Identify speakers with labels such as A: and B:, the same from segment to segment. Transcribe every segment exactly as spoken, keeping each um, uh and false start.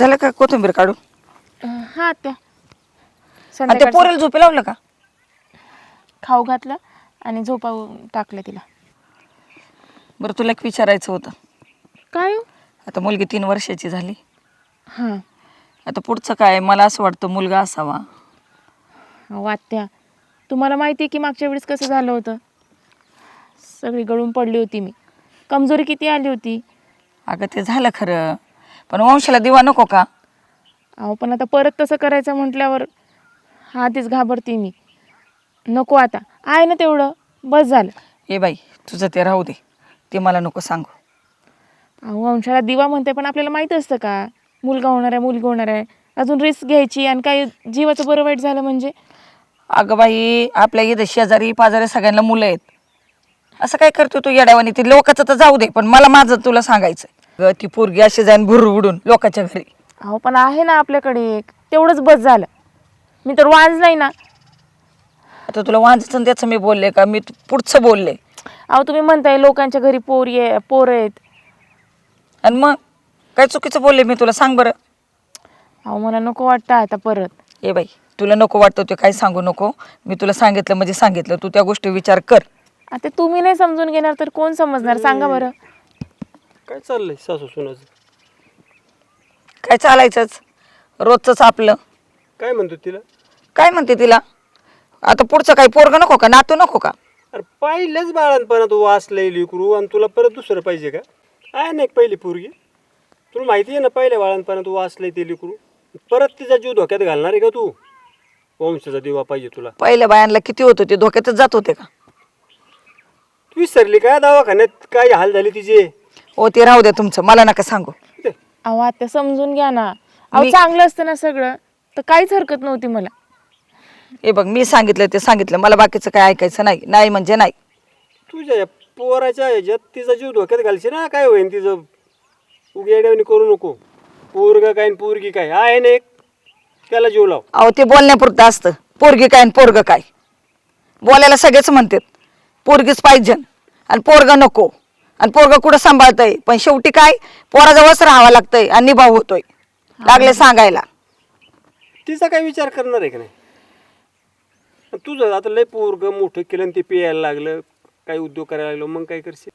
A: झालं का कोथिंबीर काढून?
B: अं, हा आत्या
A: आणि ते
B: संध्याकाळचं
A: पोरेल झोपे लावलं का?
B: खाऊ घातलं आणि झोपावून टाकलं तिला.
A: बरं तुला एक विचारायचं होतं.
B: काय हो?
A: आता मुलगी तीन वर्षाची झाली.
B: हां
A: आता पुढचं काय? मला असं वाटतं मुलगा असावा.
B: अहो आत्या, तुम्हाला माहिती आहे की मागच्या वेळेस कसं झालं होतं. सगळी गळून पडली होती मी, कमजोरी किती आली होती.
A: अगं ते झालं खरं, पण वंशाला दिवा नको का?
B: अहो पण आता परत तसं करायचं म्हटल्यावर आधीच घाबरते मी. नको आता, आहे ना तेवढं बस झालं.
A: ए बाई तुझं ते राहू दे, ते मला नको सांगू.
B: अहो वंशाला दिवा म्हणते, पण आपल्याला माहीत असतं का मुलगा होणार आहे मुलगी होणार आहे. अजून रिस्क घ्यायची आणि काही जीवाचं बरं वाईट झालं म्हणजे.
A: अगं बाई आपल्या इथं शेजारी पाजारी सगळ्यांना मुलं आहेत. असं काय करतो तू येड्यावानी? ते लोकांचं तर जाऊ दे, पण मला माझं तुला सांगायचं. ग ती पोरगी अशी जाईन भुर उडून लोकांच्या घरी.
B: अहो पण आहे ना आपल्याकडे एक, तेवढंच बस झालं. मी तर वांज नाही ना.
A: आता तुला वांजचं त्याचं मी बोलले का? मी पुढचं बोलले.
B: अहो तुम्ही म्हणताय लोकांच्या घरी पोर ये पोरं आहेत.
A: आणि मग काय चुकीचं बोलले मी तुला? सांग बरं.
B: अहो मला नको वाटतं आता परत.
A: ए बाई तुला नको वाटतं ते काही सांगू नको. मी तुला सांगितलं म्हणजे सांगितलं, तू त्या गोष्टी विचार कर.
B: आता तुम्ही नाही समजून घेणार तर कोण समजणार सांगा बरं.
C: काय चाललंय सासू सुनाचं?
A: काय चालायचंच रोजचंच आपलं.
C: काय म्हणतो तिला?
A: काय म्हणते तिला? आता पुढचं काही पोरग नको का? नातू नको का?
C: अरे पहिल्याच बाळांपणा तू वाचलंय लेकरू आणि तुला परत दुसरं पाहिजे का? आहे ना एक पहिली पोरगी, तुला माहिती आहे ना पहिल्या बाळांपणा तू वाचलंय ते लेकरू, परत तिचा जीव धोक्यात घालणार आहे का तू? वंशाचा दिवा पाहिजे तुला.
A: पहिल्या बायांना किती होत होते, धोक्यातच जात होते का?
C: तू विसरली काय दवाखान्यात काय हाल झाले तिचे?
A: हो ते राहू द्या तुमचं, मला नका सांगू.
B: अहो आता समजून घ्या ना. अहो
A: मी-
B: चांगलं असतं ना सगळं तर काहीच हरकत नव्हती मला.
A: हे बघ मी सांगितलं ते सांगितलं, मला बाकीचं काय ऐकायचं नाही. नाही म्हणजे नाही.
C: तुझ्या या पोराच्या ह्याच्यात तिचा जीव धोक्यात घालशी ना, काय होईन तिचं? उघड्यावणी करू नको. पोरगा काय पोरगी काय आहे ना एक, त्याला जीव लाव.
A: अहो ते बोलण्यापुरतं असतं. पोरगी काय आणि पोरग काय बोलायला सगळेच म्हणतात पोरगीच पाहिजे आणि पोरग नको, आणि पोरग कुठं सांभाळतंय, पण शेवटी काय पोराजवळच राहावं लागतंय आणि निभाव होतोय. लागले सांगायला.
C: तिचा काय विचार करणार आहे का नाही? तुझं आता लय पोरग मोठं केलं आणि ते पियायला लागलं, काही उद्योग करायला लागलो, मग काय करशील?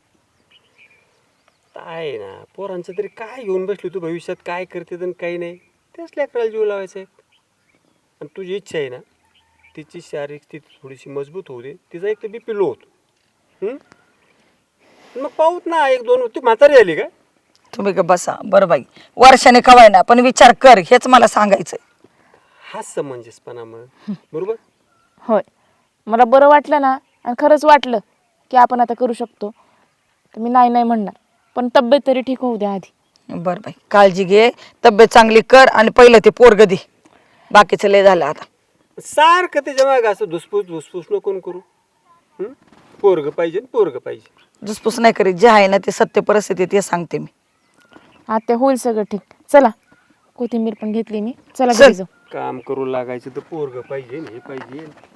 C: आहे ना पोरांचं तरी काय घेऊन बसली तू भविष्यात, काय करते आणि काही नाही, त्याच लेकराला जीव लावायचा आहे. आणि तुझी इच्छा आहे ना तिची शारीरिक स्थिती थोडीशी मजबूत होऊ दे, तिचा एक तर बी पी लो होतो. मग पाहूत ना एक दोन. ती म्हातारी आली का?
A: तुम्ही का बसा बरं बाई, वर्षाने कवाय ना, पण विचार कर, हेच मला सांगायचंय.
C: हाच समंजसपणा मग, बरोबर?
B: होय, मला बरं वाटलं ना आणि खरंच वाटलं की आपण आता करू शकतो तर मी नाही नाही म्हणणार, पण तब्येत तरी ठीक होऊ द्या आधी.
A: बरं बाई काळजी घे, तब्येत चांगली कर आणि पहिलं ते पोरग दे. बाकीचं लय झालं आता.
C: सारखं त्याच्या मागं असं धुसफूस धुसफूस नको करू. हं? पोरग पाहिजे पोरग पाहिजे.
A: दुसपूस नाही करीत, जे आहे ना ते सत्य परिस्थिती ते सांगते मी.
B: आता होईल सगळं ठीक. चला कोथिंबीर पण घेतली मी, चला
A: चल.
B: घरी जाऊ.
C: काम करू लागायचं तर पोरग पाहिजे हे पाहिजे.